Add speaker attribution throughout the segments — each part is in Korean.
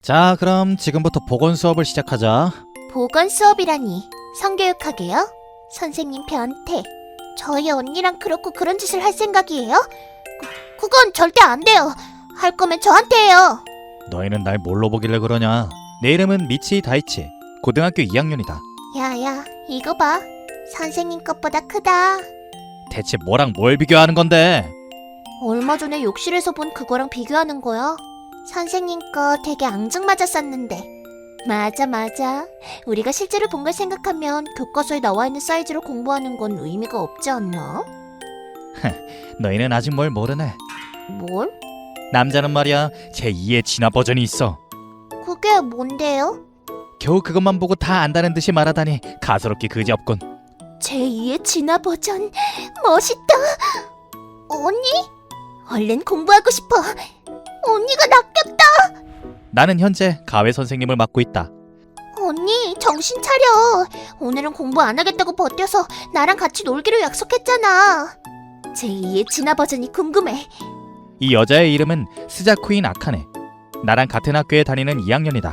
Speaker 1: 자, 그럼 지금부터 보건 수업을 시작하자.
Speaker 2: 보건 수업이라니. 성교육하게요? 선생님 변태. 저희 언니랑 그렇고 그런 짓을 할 생각이에요? 그건 절대 안 돼요. 할 거면 저한테 해요.
Speaker 1: 너희는 날 뭘로 보길래 그러냐? 내 이름은 미치 다이치. 고등학교 2학년이다.
Speaker 2: 야야, 이거 봐. 선생님 것보다 크다.
Speaker 1: 대체 뭐랑 뭘 비교하는 건데?
Speaker 2: 얼마 전에 욕실에서 본 그거랑 비교하는 거야. 선생님 거 되게 앙증맞았었는데. 맞아. 우리가 실제로 본 걸 생각하면 교과서에 나와 있는 사이즈로 공부하는 건 의미가 없지 않나?
Speaker 1: 너희는 아직 뭘 모르네.
Speaker 2: 뭘?
Speaker 1: 남자는 말이야 제2의 진화 버전이 있어.
Speaker 2: 그게 뭔데요?
Speaker 1: 겨우 그것만 보고 다 안다는 듯이 말하다니 가소롭기 그지없군.
Speaker 2: 제2의 진화 버전. 멋있다. 언니? 얼른 공부하고 싶어. 언니가 낚였다.
Speaker 1: 나는 현재 가외 선생님을 맡고 있다.
Speaker 2: 언니, 정신 차려. 오늘은 공부 안 하겠다고 버텨서 나랑 같이 놀기로 약속했잖아. 제2의 진화 버전이 궁금해.
Speaker 1: 이 여자의 이름은 스자쿠인 아카네. 나랑 같은 학교에 다니는 2학년이다.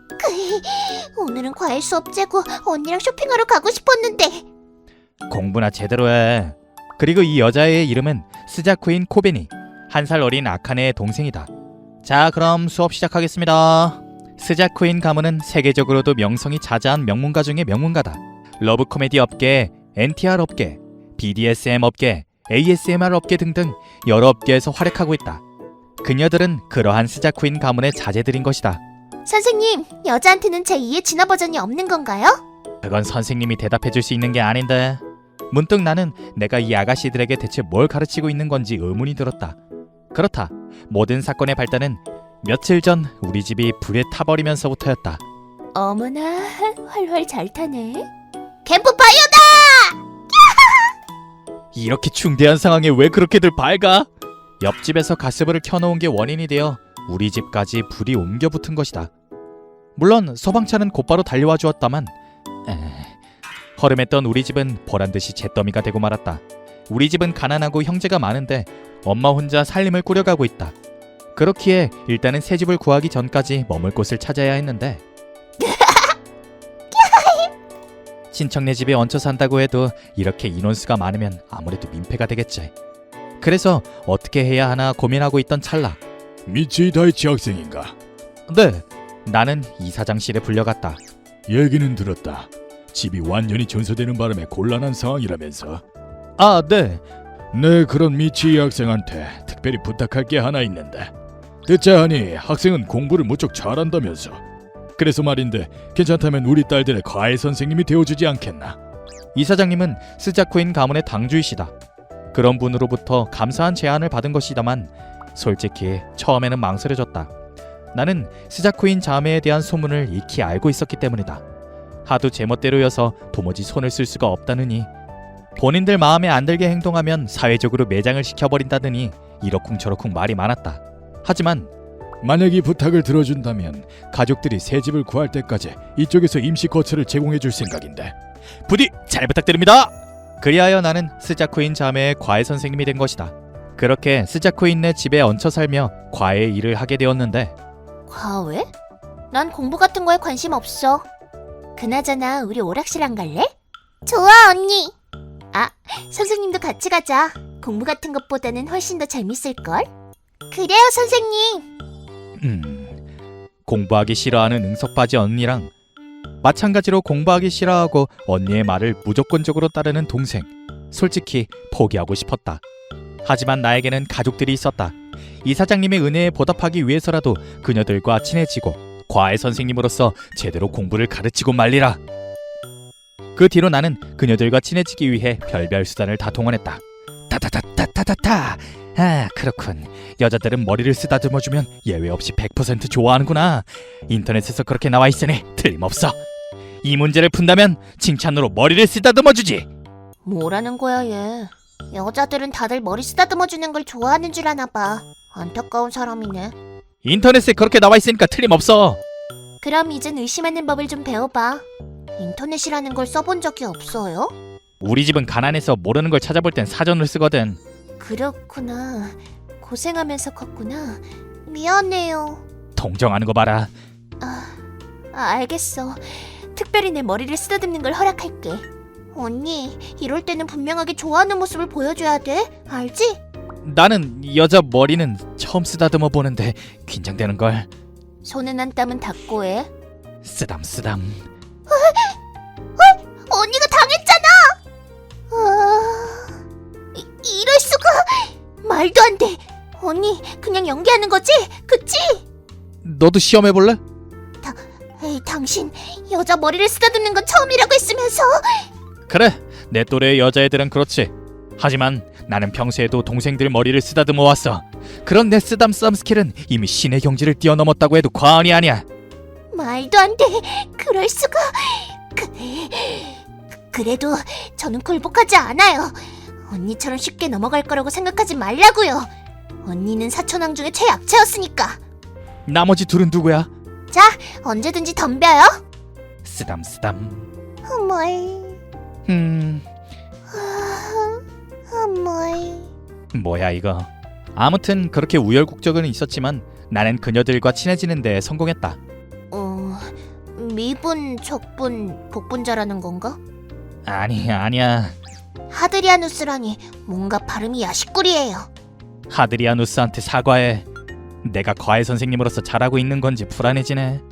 Speaker 2: 오늘은 과일 수업 째고 언니랑 쇼핑하러 가고 싶었는데.
Speaker 1: 공부나 제대로 해. 그리고 이 여자의 이름은 스자쿠인 코베니. 1살 어린 아카네의 동생이다. 자, 그럼 수업 시작하겠습니다. 스자쿠인 가문은 세계적으로도 명성이 자자한 명문가 중의 명문가다. 러브 코미디 업계, NTR 업계, BDSM 업계, ASMR 업계 등등 여러 업계에서 활약하고 있다. 그녀들은 그러한 스자쿠인 가문의 자제들인 것이다.
Speaker 2: 선생님, 여자한테는 제2의 진화 버전이 없는 건가요?
Speaker 1: 그건 선생님이 대답해 줄 수 있는 게 아닌데. 문득 나는 내가 이 아가씨들에게 대체 뭘 가르치고 있는 건지 의문이 들었다. 그렇다. 모든 사건의 발단은 며칠 전 우리 집이 불에 타버리면서부터였다.
Speaker 2: 어머나, 활활 잘 타네. 캠프파이어다!
Speaker 1: 이렇게 중대한 상황에 왜 그렇게들 밝아? 옆집에서 가스불을 켜놓은 게 원인이 되어 우리 집까지 불이 옮겨 붙은 것이다. 물론 소방차는 곧바로 달려와 주었다만 허름했던 우리 집은 보란듯이 잿더미가 되고 말았다. 우리 집은 가난하고 형제가 많은데 엄마 혼자 살림을 꾸려가고 있다. 그렇기에 일단은 새 집을 구하기 전까지 머물 곳을 찾아야 했는데 친척네 집에 얹혀 산다고 해도 이렇게 인원수가 많으면 아무래도 민폐가 되겠지. 그래서 어떻게 해야 하나 고민하고 있던 찰나.
Speaker 3: 미치 다이치 학생인가?
Speaker 1: 네, 나는 이사장실에 불려갔다.
Speaker 3: 얘기는 들었다. 집이 완전히 전소되는 바람에 곤란한 상황이라면서.
Speaker 1: 아, 네.
Speaker 3: 네, 그런 미치 학생한테 특별히 부탁할 게 하나 있는데. 듣자 하니 학생은 공부를 무척 잘한다면서. 그래서 말인데 괜찮다면 우리 딸들의 과외 선생님이 되어주지 않겠나?
Speaker 1: 이사장님은 스자쿠인 가문의 당주이시다. 그런 분으로부터 감사한 제안을 받은 것이다만 솔직히 처음에는 망설여졌다. 나는 스자쿠인 자매에 대한 소문을 익히 알고 있었기 때문이다. 하도 제멋대로여서 도무지 손을 쓸 수가 없다느니, 본인들 마음에 안 들게 행동하면 사회적으로 매장을 시켜버린다더니 이러쿵저러쿵 말이 많았다. 하지만
Speaker 3: 만약 이 부탁을 들어준다면 가족들이 새 집을 구할 때까지 이쪽에서 임시 거처를 제공해 줄 생각인데.
Speaker 1: 부디 잘 부탁드립니다. 그리하여 나는 스자쿠인 자매의 과외 선생님이 된 것이다. 그렇게 스자쿠인네 집에 얹혀 살며 과외 일을 하게 되었는데,
Speaker 2: 과외? 난 공부 같은 거에 관심 없어. 그나저나 우리 오락실 안 갈래? 좋아, 언니. 아, 선생님도 같이 가자. 공부 같은 것보다는 훨씬 더 재밌을걸? 그래요, 선생님.
Speaker 1: 공부하기 싫어하는 응석바지 언니랑 마찬가지로 공부하기 싫어하고 언니의 말을 무조건적으로 따르는 동생. 솔직히 포기하고 싶었다. 하지만 나에게는 가족들이 있었다. 이사장님의 은혜에 보답하기 위해서라도 그녀들과 친해지고 과외 선생님으로서 제대로 공부를 가르치고 말리라. 그 뒤로 나는 그녀들과 친해지기 위해 별별 수단을 다 동원했다. 타타타타타타타. 아, 그렇군. 여자들은 머리를 쓰다듬어주면 예외 없이 100% 좋아하는구나. 인터넷에서 그렇게 나와 있으니 틀림없어. 이 문제를 푼다면 칭찬으로 머리를 쓰다듬어주지.
Speaker 2: 뭐라는 거야, 얘. 여자들은 다들 머리 쓰다듬어주는 걸 좋아하는 줄 아나 봐. 안타까운 사람이네.
Speaker 1: 인터넷에 그렇게 나와 있으니까 틀림없어.
Speaker 2: 그럼 이젠 의심하는 법을 좀 배워봐. 인터넷이라는 걸 써본 적이 없어요?
Speaker 1: 우리 집은 가난해서 모르는 걸 찾아볼 땐 사전을 쓰거든.
Speaker 2: 그렇구나. 고생하면서 컸구나. 미안해요.
Speaker 1: 동정하는 거 봐라.
Speaker 2: 알겠어. 특별히 내 머리를 쓰다듬는 걸 허락할게. 언니, 이럴 때는 분명하게 좋아하는 모습을 보여줘야 돼. 알지?
Speaker 1: 나는 여자 머리는 처음 쓰다듬어 보는데 긴장되는 걸.
Speaker 2: 손은 한 땀은 닦고 해.
Speaker 1: 쓰담쓰담.
Speaker 2: 언니가 당했잖아. 이럴 수가. 말도 안 돼. 언니, 그냥 연기하는 거지? 그치?
Speaker 1: 너도 시험해 볼래?
Speaker 2: 에이, 당신 여자 머리를 쓰다듬는 건 처음이라고 했으면서.
Speaker 1: 그래, 내 또래의 여자애들은 그렇지. 하지만 나는 평소에도 동생들 머리를 쓰다듬어 왔어. 그런 내 쓰담쓰담 스킬은 이미 신의 경지를 뛰어넘었다고 해도 과언이 아니야.
Speaker 2: 말도 안 돼. 그럴 수가. 그래도 저는 굴복하지 않아요. 언니처럼 쉽게 넘어갈 거라고 생각하지 말라고요. 언니는 사촌왕 중에 최약체였으니까.
Speaker 1: 나머지 둘은 누구야?
Speaker 2: 자, 언제든지 덤벼요.
Speaker 1: 쓰담쓰담.
Speaker 2: 어머이. 어머이.
Speaker 1: 뭐야 이거. 아무튼 그렇게 우열국적은 있었지만 나는 그녀들과 친해지는 데 성공했다.
Speaker 2: 미분, 적분, 복분자라는 건가?
Speaker 1: 아니야.
Speaker 2: 하드리아누스라니 뭔가 발음이 야식꾸리예요.
Speaker 1: 하드리아누스한테 사과해. 내가 과외 선생님으로서 잘하고 있는 건지 불안해지네.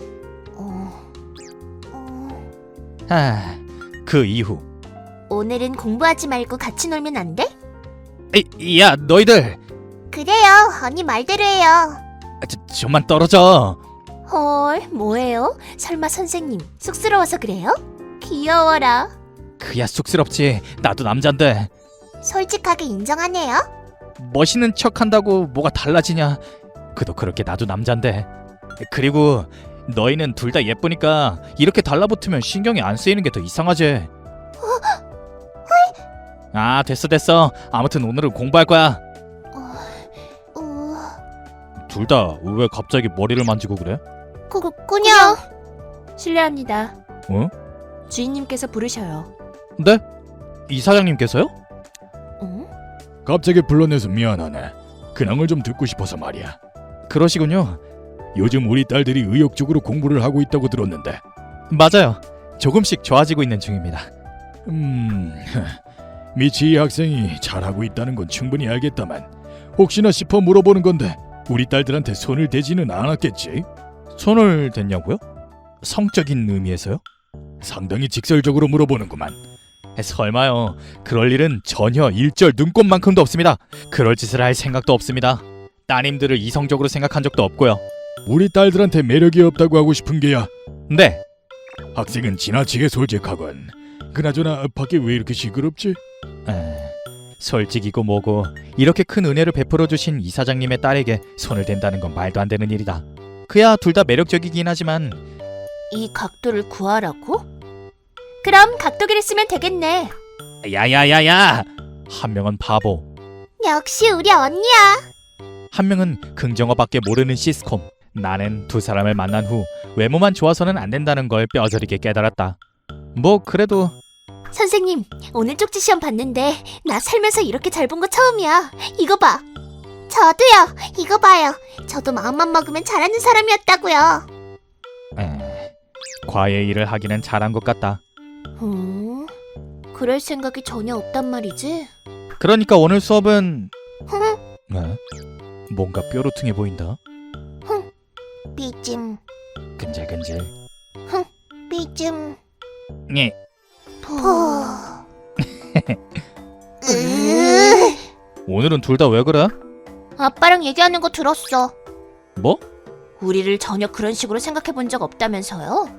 Speaker 1: 그 이후.
Speaker 2: 오늘은 공부하지 말고 같이 놀면 안 돼?
Speaker 1: 야, 너희들.
Speaker 2: 그래요. 언니 말대로 해요.
Speaker 1: 좀만 떨어져.
Speaker 2: 헐, 뭐예요? 설마 선생님 쑥스러워서 그래요? 귀여워라.
Speaker 1: 그야 쑥스럽지. 나도 남잔데.
Speaker 2: 솔직하게 인정하네요.
Speaker 1: 멋있는 척한다고 뭐가 달라지냐. 그도 그렇게 나도 남잔데. 그리고 너희는 둘 다 예쁘니까 이렇게 달라붙으면 신경이 안 쓰이는 게 더 이상하지. 아, 됐어. 아무튼 오늘은 공부할 거야. 둘 다 왜 갑자기 머리를 만지고 그래?
Speaker 2: 그냥
Speaker 4: 실례합니다.
Speaker 1: 어?
Speaker 4: 주인님께서 부르셔요.
Speaker 1: 네? 이사장님께서요?
Speaker 3: 갑자기 불러내서 미안하네. 근황을 좀 듣고 싶어서 말이야.
Speaker 1: 그러시군요.
Speaker 3: 요즘 우리 딸들이 의욕적으로 공부를 하고 있다고 들었는데.
Speaker 1: 맞아요. 조금씩 좋아지고 있는 중입니다.
Speaker 3: 미치 학생이 잘하고 있다는 건 충분히 알겠다만 혹시나 싶어 물어보는 건데 우리 딸들한테 손을 대지는 않았겠지?
Speaker 1: 손을 댔냐고요? 성적인 의미에서요?
Speaker 3: 상당히 직설적으로 물어보는구만.
Speaker 1: 설마요. 그럴 일은 전혀 일절 눈꼽만큼도 없습니다. 그럴 짓을 할 생각도 없습니다. 따님들을 이성적으로 생각한 적도 없고요.
Speaker 3: 우리 딸들한테 매력이 없다고 하고 싶은 게야.
Speaker 1: 네.
Speaker 3: 학생은 지나치게 솔직하건. 그나저나 밖에 왜 이렇게 시끄럽지?
Speaker 1: 솔직이고 뭐고 이렇게 큰 은혜를 베풀어 주신 이사장님의 딸에게 손을 댄다는 건 말도 안 되는 일이다. 그야 둘 다 매력적이긴 하지만.
Speaker 2: 이 각도를 구하라고? 그럼 각도기를 쓰면 되겠네.
Speaker 1: 야야야야. 한 명은 바보,
Speaker 2: 역시 우리 언니야.
Speaker 1: 한 명은 긍정어밖에 모르는 시스콤. 나는 두 사람을 만난 후 외모만 좋아서는 안 된다는 걸 뼈저리게 깨달았다. 뭐 그래도.
Speaker 2: 선생님, 오늘 쪽지 시험 봤는데 나 살면서 이렇게 잘 본 거 처음이야. 이거 봐. 저도요. 이거 봐요. 저도 마음만 먹으면 잘하는 사람이었다고요.
Speaker 1: 과외 일을 하기는 잘한 것 같다.
Speaker 2: 그럴 생각이 전혀 없단 말이지.
Speaker 1: 그러니까 오늘 수업은 뭔가 뾰루퉁해 보인다.
Speaker 2: 삐짐
Speaker 1: 근질근질.
Speaker 2: 삐짐
Speaker 1: 예.
Speaker 2: 포.
Speaker 1: 오늘은 둘 다 왜 그래?
Speaker 2: 아빠랑 얘기하는 거 들었어.
Speaker 1: 뭐?
Speaker 2: 우리를 전혀 그런 식으로 생각해 본 적 없다면서요?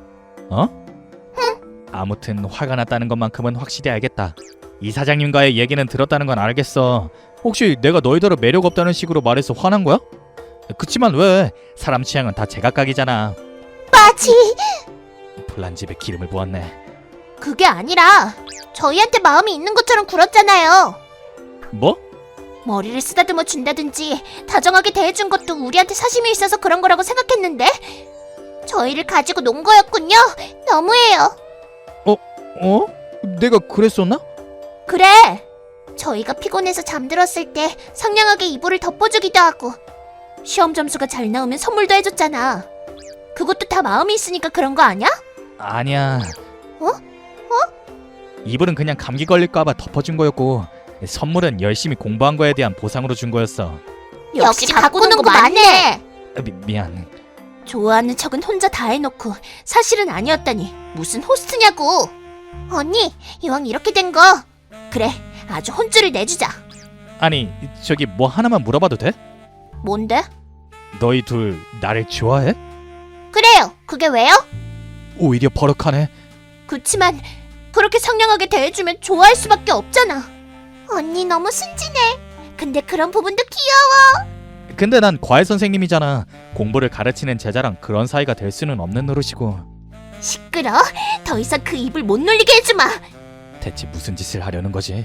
Speaker 1: 아무튼 화가 났다는 것만큼은 확실히 알겠다. 이사장님과의 얘기는 들었다는 건 알겠어. 혹시 내가 너희들은 매력 없다는 식으로 말해서 화난 거야? 그치만 왜? 사람 취향은 다 제각각이잖아.
Speaker 2: 빠지.
Speaker 1: 불난 집에 기름을 부었네.
Speaker 2: 그게 아니라 저희한테 마음이 있는 것처럼 굴었잖아요.
Speaker 1: 뭐?
Speaker 2: 머리를 쓰다듬어 준다든지 다정하게 대해준 것도 우리한테 사심이 있어서 그런 거라고 생각했는데 저희를 가지고 논 거였군요. 너무해요.
Speaker 1: 어? 내가 그랬었나?
Speaker 2: 그래. 저희가 피곤해서 잠들었을 때 상냥하게 이불을 덮어주기도 하고 시험 점수가 잘 나오면 선물도 해줬잖아. 그것도 다 마음이 있으니까 그런 거 아니야?
Speaker 1: 아니야.
Speaker 2: 어?
Speaker 1: 이불은 그냥 감기 걸릴까봐 덮어준 거였고 선물은 열심히 공부한 거에 대한 보상으로 준 거였어.
Speaker 2: 역시 가꾸는 거 맞네.
Speaker 1: 미안.
Speaker 2: 좋아하는 척은 혼자 다 해놓고 사실은 아니었다니 무슨 호스트냐고. 언니, 이왕 이렇게 된 거 그래, 아주 혼쭐을 내주자.
Speaker 1: 아니 저기 뭐 하나만 물어봐도 돼?
Speaker 2: 뭔데?
Speaker 1: 너희 둘 나를 좋아해?
Speaker 2: 그래요. 그게 왜요?
Speaker 1: 오히려 버럭하네.
Speaker 2: 그치만 그렇게 상냥하게 대해주면 좋아할 수밖에 없잖아. 언니 너무 순진해. 근데 그런 부분도 귀여워.
Speaker 1: 근데 난 과외 선생님이잖아. 공부를 가르치는 제자랑 그런 사이가 될 수는 없는 노릇이고.
Speaker 2: 시끄러. 더 이상 그 입을 못 놀리게 해주마.
Speaker 1: 대체 무슨 짓을 하려는 거지?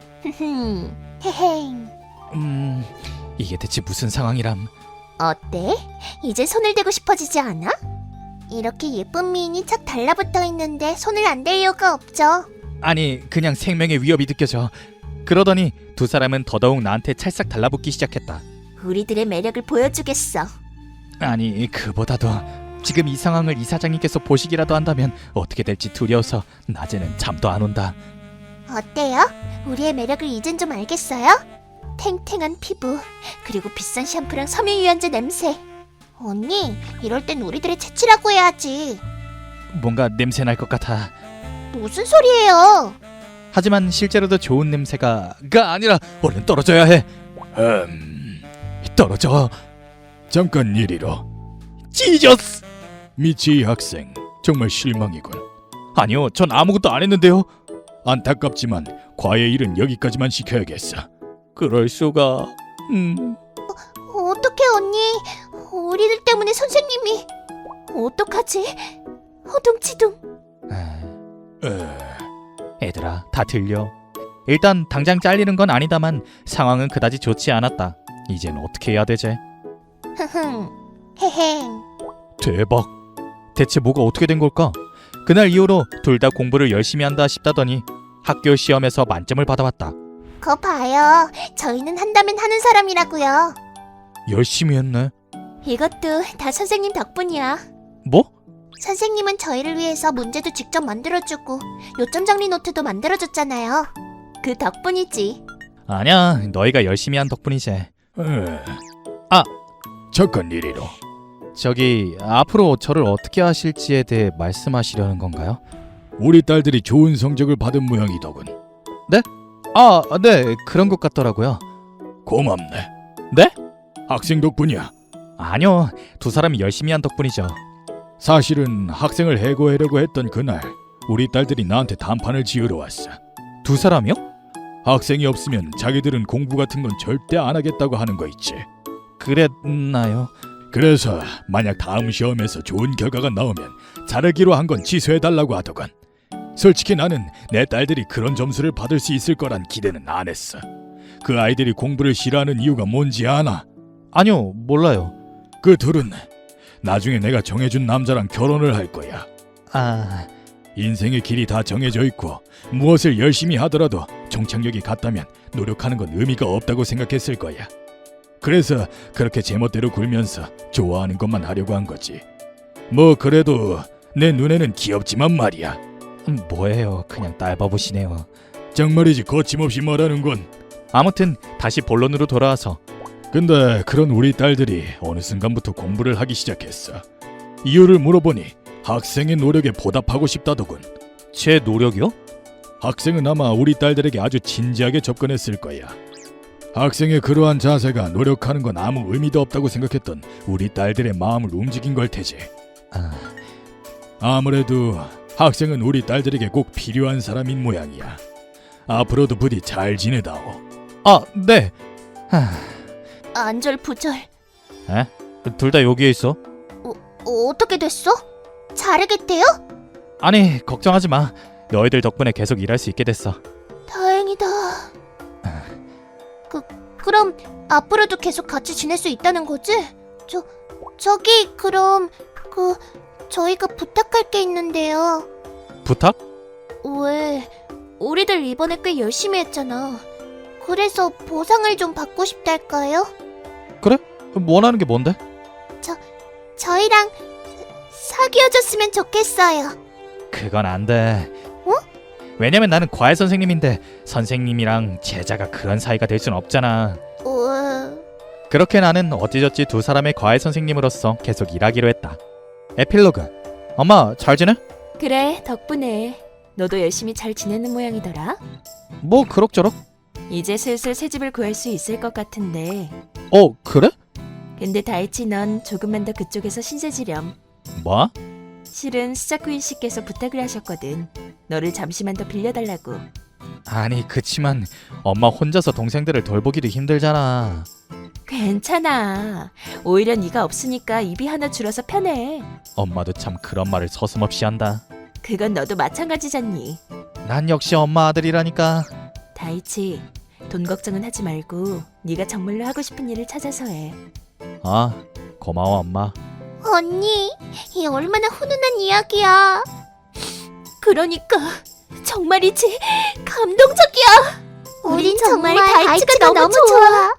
Speaker 2: 헤헤.
Speaker 1: 이게 대체 무슨 상황이람?
Speaker 2: 어때? 이제 손을 대고 싶어지지 않아? 이렇게 예쁜 미인이 착 달라붙어 있는데 손을 안 댈 이유가 없죠.
Speaker 1: 아니 그냥 생명의 위협이 느껴져. 그러더니 두 사람은 더더욱 나한테 찰싹 달라붙기 시작했다.
Speaker 2: 우리들의 매력을 보여주겠어.
Speaker 1: 아니 그보다도 지금 이 상황을 이사장님께서 보시기라도 한다면 어떻게 될지 두려워서 낮에는 잠도 안 온다.
Speaker 2: 어때요? 우리의 매력을 이젠 좀 알겠어요? 탱탱한 피부, 그리고 비싼 샴푸랑 섬유유연제 냄새. 언니, 이럴 땐 우리들의 채취라고 해야지.
Speaker 1: 뭔가 냄새 날 것 같아.
Speaker 2: 무슨 소리예요?
Speaker 1: 하지만 실제로도 좋은 냄새가 아니라 얼른 떨어져야 해. 떨어져.
Speaker 3: 잠깐 이리로.
Speaker 1: 찢었어.
Speaker 3: 미치 학생, 정말 실망이군.
Speaker 1: 아니요, 전 아무것도 안 했는데요.
Speaker 3: 안타깝지만 과외 일은 여기까지만 시켜야겠어.
Speaker 1: 그럴 수가.
Speaker 2: 어떡해, 언니. 우리들 때문에 선생님이. 어떡하지? 허둥지둥.
Speaker 1: 애들아, 다 들려. 일단 당장 잘리는 건 아니다만 상황은 그다지 좋지 않았다. 이젠 어떻게 해야 되지?
Speaker 2: 헤행.
Speaker 1: 대박. 대체 뭐가 어떻게 된 걸까? 그날 이후로 둘 다 공부를 열심히 한다 싶다더니 학교 시험에서 만점을 받아왔다.
Speaker 2: 거 봐요. 저희는 한다면 하는 사람이라고요.
Speaker 1: 열심히 했네.
Speaker 2: 이것도 다 선생님 덕분이야.
Speaker 1: 뭐?
Speaker 2: 선생님은 저희를 위해서 문제도 직접 만들어주고 요점 정리 노트도 만들어줬잖아요. 그 덕분이지.
Speaker 1: 아니야, 너희가 열심히 한 덕분이지.
Speaker 3: 잠깐 이리로.
Speaker 1: 저기 앞으로 저를 어떻게 하실지에 대해 말씀하시려는 건가요?
Speaker 3: 우리 딸들이 좋은 성적을 받은 모양이더군.
Speaker 1: 네, 그런 것 같더라고요.
Speaker 3: 고맙네.
Speaker 1: 네?
Speaker 3: 학생 덕분이야.
Speaker 1: 아니요, 두 사람이 열심히 한 덕분이죠.
Speaker 3: 사실은 학생을 해고하려고 했던 그날 우리 딸들이 나한테 단판을 지으러 왔어.
Speaker 1: 두 사람이요?
Speaker 3: 학생이 없으면 자기들은 공부 같은 건 절대 안 하겠다고 하는 거 있지.
Speaker 1: 그랬나요?
Speaker 3: 그래서 만약 다음 시험에서 좋은 결과가 나오면 자르기로 한 건 취소해달라고 하더군. 솔직히 나는 내 딸들이 그런 점수를 받을 수 있을 거란 기대는 안 했어. 그 아이들이 공부를 싫어하는 이유가 뭔지 아나?
Speaker 1: 아니요, 몰라요.
Speaker 3: 그 둘은 나중에 내가 정해준 남자랑 결혼을 할 거야. 인생의 길이 다 정해져 있고 무엇을 열심히 하더라도 종착역이 같다면 노력하는 건 의미가 없다고 생각했을 거야. 그래서 그렇게 제멋대로 굴면서 좋아하는 것만 하려고 한 거지. 뭐 그래도 내 눈에는 귀엽지만 말이야.
Speaker 1: 뭐예요, 그냥 딸바보시네요.
Speaker 3: 정말이지 거침없이 말하는 건.
Speaker 1: 아무튼 다시 본론으로 돌아와서
Speaker 3: 근데 그런 우리 딸들이 어느 순간부터 공부를 하기 시작했어. 이유를 물어보니 학생의 노력에 보답하고 싶다더군.
Speaker 1: 제 노력이요?
Speaker 3: 학생은 아마 우리 딸들에게 아주 진지하게 접근했을 거야. 학생의 그러한 자세가 노력하는 건 아무 의미도 없다고 생각했던 우리 딸들의 마음을 움직인 걸 테지. 아무래도 학생은 우리 딸들에게 꼭 필요한 사람인 모양이야. 앞으로도 부디 잘 지내다오.
Speaker 1: 네.
Speaker 2: 안절부절.
Speaker 1: 둘 다 여기에 있어.
Speaker 2: 어떻게 됐어? 자르겠대요?
Speaker 1: 아니, 걱정하지 마. 너희들 덕분에 계속 일할 수 있게 됐어.
Speaker 2: 다행이다. 그럼 앞으로도 계속 같이 지낼 수 있다는 거지? 저기 그럼 저희가 부탁할 게 있는데요.
Speaker 1: 부탁?
Speaker 2: 왜? 우리들 이번에 꽤 열심히 했잖아. 그래서 보상을 좀 받고 싶달까요?
Speaker 1: 그래? 원하는 게 뭔데?
Speaker 2: 저희랑 사귀어줬으면 좋겠어요.
Speaker 1: 그건 안 돼.
Speaker 2: 어?
Speaker 1: 왜냐면 나는 과외 선생님인데 선생님이랑 제자가 그런 사이가 될 순 없잖아. 그렇게 나는 어찌저찌 두 사람의 과외 선생님으로서 계속 일하기로 했다. 에필로그. 엄마 잘 지내?
Speaker 4: 그래, 덕분에. 너도 열심히 잘 지내는 모양이더라.
Speaker 1: 뭐 그럭저럭.
Speaker 4: 이제 슬슬 새 집을 구할 수 있을 것 같은데.
Speaker 1: 그래?
Speaker 4: 근데 다이치 넌 조금만 더 그쪽에서 신세 지렴.
Speaker 1: 뭐?
Speaker 4: 실은 스자쿠인 씨께서 부탁을 하셨거든. 너를 잠시만 더 빌려달라고.
Speaker 1: 아니 그치만 엄마 혼자서 동생들을 돌보기도 힘들잖아.
Speaker 4: 괜찮아. 오히려 네가 없으니까 입이 하나 줄어서 편해.
Speaker 1: 엄마도 참 그런 말을 서슴없이 한다.
Speaker 4: 그건 너도 마찬가지잖니.
Speaker 1: 난 역시 엄마 아들이라니까.
Speaker 4: 다이치, 돈 걱정은 하지 말고 네가 정말로 하고 싶은 일을 찾아서 해.
Speaker 1: 아 고마워 엄마.
Speaker 2: 언니, 이 얼마나 훈훈한 이야기야.
Speaker 4: 그러니까 정말이지 감동적이야.
Speaker 2: 우린 정말 다이치가 너무 좋아.